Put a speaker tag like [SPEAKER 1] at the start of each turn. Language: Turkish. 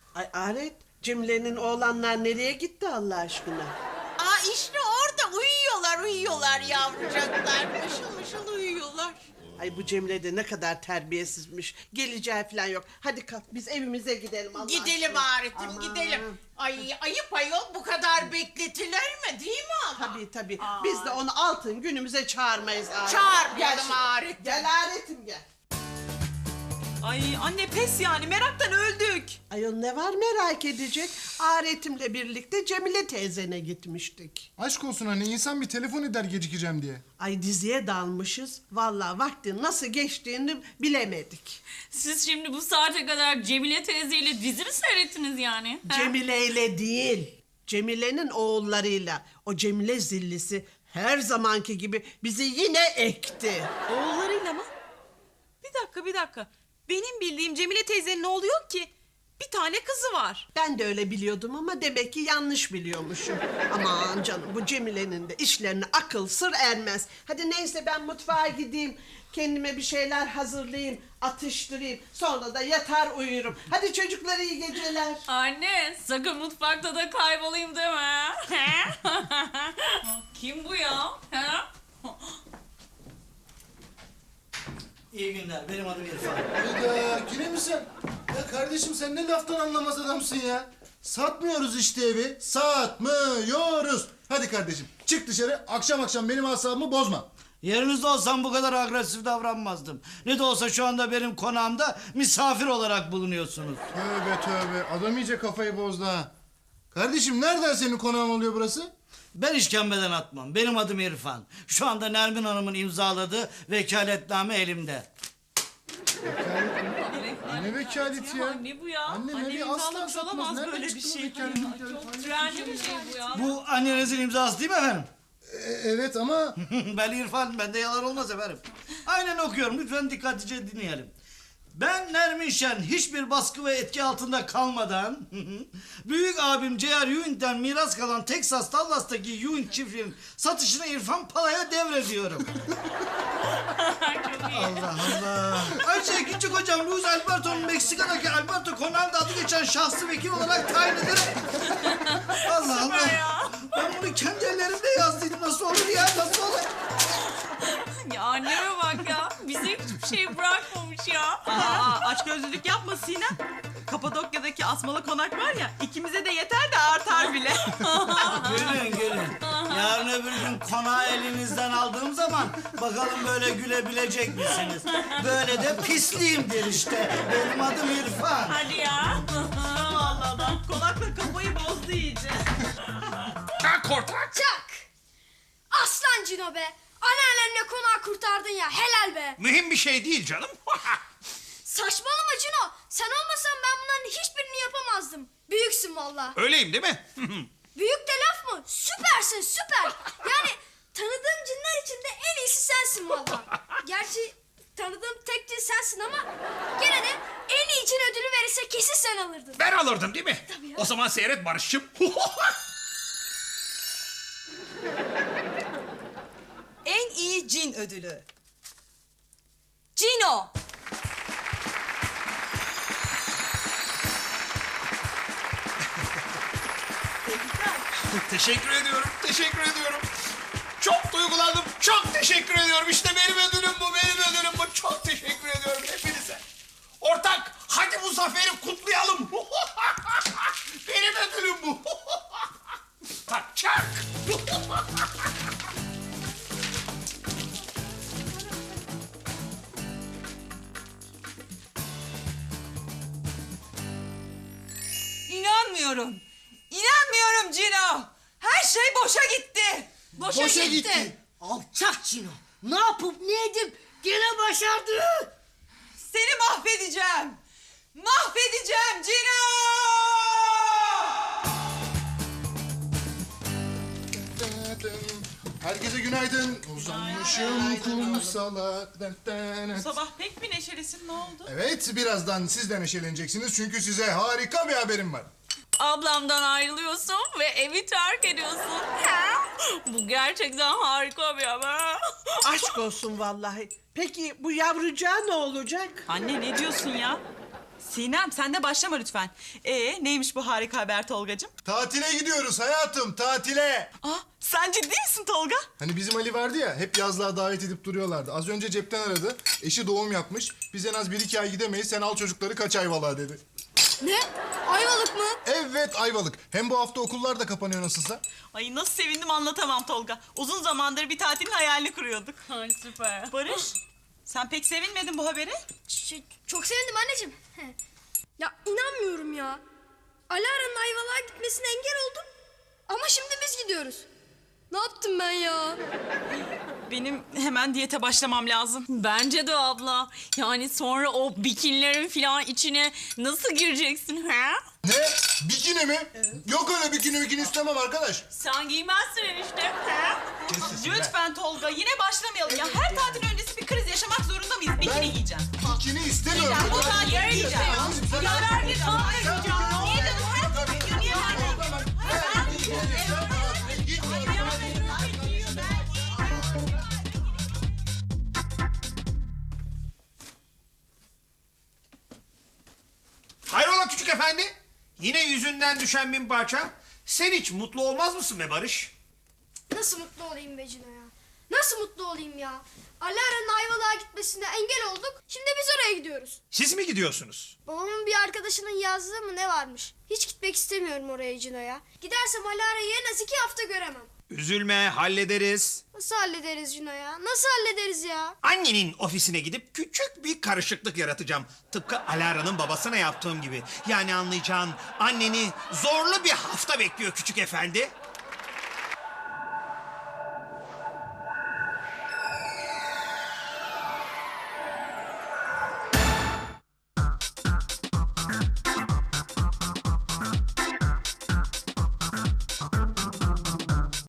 [SPEAKER 1] Ay Aret, Cemile'nin oğlanlar nereye gitti Allah aşkına?
[SPEAKER 2] Aa işte orada uyuyorlar yavrucaklar. Mışıl mışıl uyuyorlar.
[SPEAKER 1] Ay bu Cemile de ne kadar terbiyesizmiş. Geleceği falan yok. Hadi kalk biz evimize gidelim Allah
[SPEAKER 2] Gidelim
[SPEAKER 1] aşkına.
[SPEAKER 2] Aret'im
[SPEAKER 1] Aman.
[SPEAKER 2] gidelim. Ay ayıp ayol bu kadar bekletilir mi değil mi ama?
[SPEAKER 1] Tabii. Biz de onu altın günümüze çağırmayız Aret.
[SPEAKER 2] Çağırmayalım
[SPEAKER 1] şimdi.
[SPEAKER 2] Aret'im.
[SPEAKER 1] Gel Aret'im gel.
[SPEAKER 3] Ay anne pes yani meraktan öldük.
[SPEAKER 1] Ayol ne var merak edecek? Aret'imle birlikte Cemile teyzene gitmiştik.
[SPEAKER 4] Aşk olsun anne, insan bir telefon eder gecikeceğim diye.
[SPEAKER 1] Ay diziye dalmışız. Vallahi vaktin nasıl geçtiğini bilemedik.
[SPEAKER 5] Siz şimdi bu saate kadar Cemile teyzeyle dizi mi seyrettiniz yani? Ha?
[SPEAKER 1] Cemile ile değil. Cemile'nin oğullarıyla. O Cemile zillisi her zamanki gibi bizi yine ekti.
[SPEAKER 3] Oğullarıyla mı? Bir dakika. Benim bildiğim Cemile teyzenin oğlu yok ki. Bir tane kızı var.
[SPEAKER 1] Ben de öyle biliyordum ama demek ki yanlış biliyormuşum. Aman canım bu Cemile'nin de işlerine akıl sır ermez. Hadi neyse ben mutfağa gideyim. Kendime bir şeyler hazırlayayım, atıştırayım. Sonra da yatar uyurum. Hadi çocuklar iyi geceler.
[SPEAKER 5] Anne sakın mutfakta da kaybolayım deme. Kim bu ya? Ha?
[SPEAKER 6] İyi günler, benim adım İrfan.
[SPEAKER 4] Hayda, yine mi sen? Ya kardeşim sen ne laftan anlamaz adamsın ya. Satmıyoruz işte evi, satmıyoruz. Hadi kardeşim çık dışarı, akşam benim asabımı bozma.
[SPEAKER 6] Yerinizde olsam bu kadar agresif davranmazdım. Ne de olsa şu anda benim konağımda misafir olarak bulunuyorsunuz.
[SPEAKER 4] Tövbe, adam iyice kafayı bozdu ha. Kardeşim nereden senin konağın oluyor burası?
[SPEAKER 6] Ben işkembeden atmam, benim adım İrfan. Şu anda Nermin Hanım'ın imzaladığı vekaletname elimde.
[SPEAKER 4] Ne vekaleti ya?
[SPEAKER 5] Ne bu ya?
[SPEAKER 4] Anne
[SPEAKER 3] Annem
[SPEAKER 4] nereye asla
[SPEAKER 3] imzalamış
[SPEAKER 4] satmaz.
[SPEAKER 3] olamaz
[SPEAKER 4] Nereden
[SPEAKER 3] böyle
[SPEAKER 4] çıktı
[SPEAKER 3] bir
[SPEAKER 4] bu
[SPEAKER 3] şey.
[SPEAKER 4] vekalet?
[SPEAKER 5] Trendy bir şey bu ya.
[SPEAKER 6] Bu annenizin imzası değil mi efendim?
[SPEAKER 4] Evet ama
[SPEAKER 6] Ben İrfan, bende yalan olmaz efendim. Aynen okuyorum, lütfen dikkatlice dinleyelim. Ben Nermin Şen hiçbir baskı ve etki altında kalmadan büyük abim J.R. Ewing'den miras kalan Texas Dallas'taki Ewing çiftliğinin satışını İrfan Pala'ya devrediyorum. Allah Allah. Ayrıca küçük hocam Luis Alberto'nun Meksika'daki Alberto Conal'da adı geçen şahsı vekil olarak tayin ederim. Allah Allah. Ben bunu kendi ellerimle yazdıydım. Nasıl olur ya? Nasıl olur?
[SPEAKER 5] Ya anneme bak ya. Bize hiçbir şey bırakmamış ya.
[SPEAKER 3] Açgözlülük yapma Sinem. Kapadokya'daki asmalı konak var ya, ikimize de yeter de artar bile.
[SPEAKER 6] Gelin. Yarın öbür gün konağı elinizden aldığım zaman bakalım böyle gülebilecek misiniz? Böyle de pisliyimdir işte. Benim adım İrfan.
[SPEAKER 5] Hadi ya.
[SPEAKER 3] Vallahi adam konakla kafayı bozdu iyice.
[SPEAKER 7] Çak! Aslan Cino be! Anneannemle konağı kurtardın ya, helal be!
[SPEAKER 8] Mühim bir şey değil canım.
[SPEAKER 7] Saçmalama Cino! Sen olmasan ben bunların hiçbirini yapamazdım. Büyüksün valla.
[SPEAKER 8] Öyleyim değil mi?
[SPEAKER 7] Büyük de laf mı? Süpersin, süper! Yani tanıdığım cinler içinde en iyisi sensin valla. Gerçi tanıdığım tek cin sensin ama gene de en iyi cin ödülü verirse kesin sen alırdın.
[SPEAKER 8] Ben alırdım değil mi?
[SPEAKER 7] Tabii ya.
[SPEAKER 8] O zaman seyret Barış'cığım.
[SPEAKER 3] En iyi cin ödülü. Cino.
[SPEAKER 8] Teşekkür ediyorum. Çok duygulandım. Çok teşekkür ediyorum. İşte benim ödülüm bu. Çok teşekkür ediyorum hepinize. Ortak, hadi bu zaferi kutlayalım. Benim ödülüm bu. Çak.
[SPEAKER 3] İnanmıyorum Cino. Her şey boşa gitti.
[SPEAKER 4] boşa gitti.
[SPEAKER 2] Alçak Cino. Ne yapıp ne edip gene başardı.
[SPEAKER 3] Seni mahvedeceğim. Mahvedeceğim Cino.
[SPEAKER 4] Herkese günaydın. Uzanmışım kumsala.
[SPEAKER 3] Bu sabah pek bir neşelisin, ne oldu?
[SPEAKER 4] Evet, birazdan siz de neşeleneceksiniz çünkü size harika bir haberim var.
[SPEAKER 5] Ablamdan ayrılıyorsun ve evi terk ediyorsun. Ha? Bu gerçekten harika bir haber.
[SPEAKER 1] Aşk olsun vallahi. Peki bu yavrucağı ne olacak?
[SPEAKER 3] Anne ne diyorsun ya? Sinem sen de başlama lütfen. Neymiş bu harika haber Tolgacığım?
[SPEAKER 4] Tatile gidiyoruz hayatım, tatile.
[SPEAKER 3] Sen ciddi misin Tolga?
[SPEAKER 4] Hani bizim Ali vardı ya, hep yazlığa davet edip duruyorlardı. Az önce cepten aradı, eşi doğum yapmış. Biz en az 1-2 ay gidemeyiz, sen al çocukları kaç Ayvalık'a dedi.
[SPEAKER 7] Ne? Ayvalık mı?
[SPEAKER 4] Evet, Ayvalık. Hem bu hafta okullar da kapanıyor nasılsa.
[SPEAKER 3] Ay nasıl sevindim anlatamam Tolga. Uzun zamandır bir tatilin hayalini kuruyorduk.
[SPEAKER 5] Ay süper.
[SPEAKER 3] Barış, sen pek sevinmedin bu habere.
[SPEAKER 7] Çok sevindim anneciğim. Ya inanmıyorum ya. Alara'nın Ayvalık'a gitmesine engel oldum. Ama şimdi biz gidiyoruz. Ne yaptım ben ya?
[SPEAKER 3] Benim hemen diyete başlamam lazım.
[SPEAKER 5] Bence de abla. Yani sonra o bikinilerin falan içine nasıl gireceksin ha?
[SPEAKER 4] Ne? Bikini mi? Yok öyle bikini istemem arkadaş.
[SPEAKER 5] Sen giymezsin enişte. Ha?
[SPEAKER 3] Lütfen Tolga yine başlamayalım ya. Her tatil öncesi bir kriz yaşamak zorunda mıyız? Bikini giyeceğim.
[SPEAKER 4] Bikini istemiyorum.
[SPEAKER 3] Bu tatil giyeceğim. Ya ver bir tatil giyeceğim. Niye canım? Her tatil giyiyor. Niye vermedin?
[SPEAKER 8] Hayrola küçük efendi? Yine yüzünden düşen bin parça. Sen hiç mutlu olmaz mısın be Barış?
[SPEAKER 7] Nasıl mutlu olayım be Cino ya? Nasıl mutlu olayım ya? Alara'nın Ayvalık'a gitmesine engel olduk. Şimdi biz oraya gidiyoruz.
[SPEAKER 8] Siz mi gidiyorsunuz?
[SPEAKER 7] Babamın bir arkadaşının yazdığı mı ne varmış? Hiç gitmek istemiyorum oraya Cino ya. Gidersem Alara'yı en az 2 hafta göremem.
[SPEAKER 8] Üzülme, hallederiz.
[SPEAKER 7] Nasıl hallederiz Cino ya? Nasıl hallederiz ya?
[SPEAKER 8] Annenin ofisine gidip küçük bir karışıklık yaratacağım. Tıpkı Alara'nın babasına yaptığım gibi. Yani anlayacağın anneni zorlu bir hafta bekliyor küçük efendi.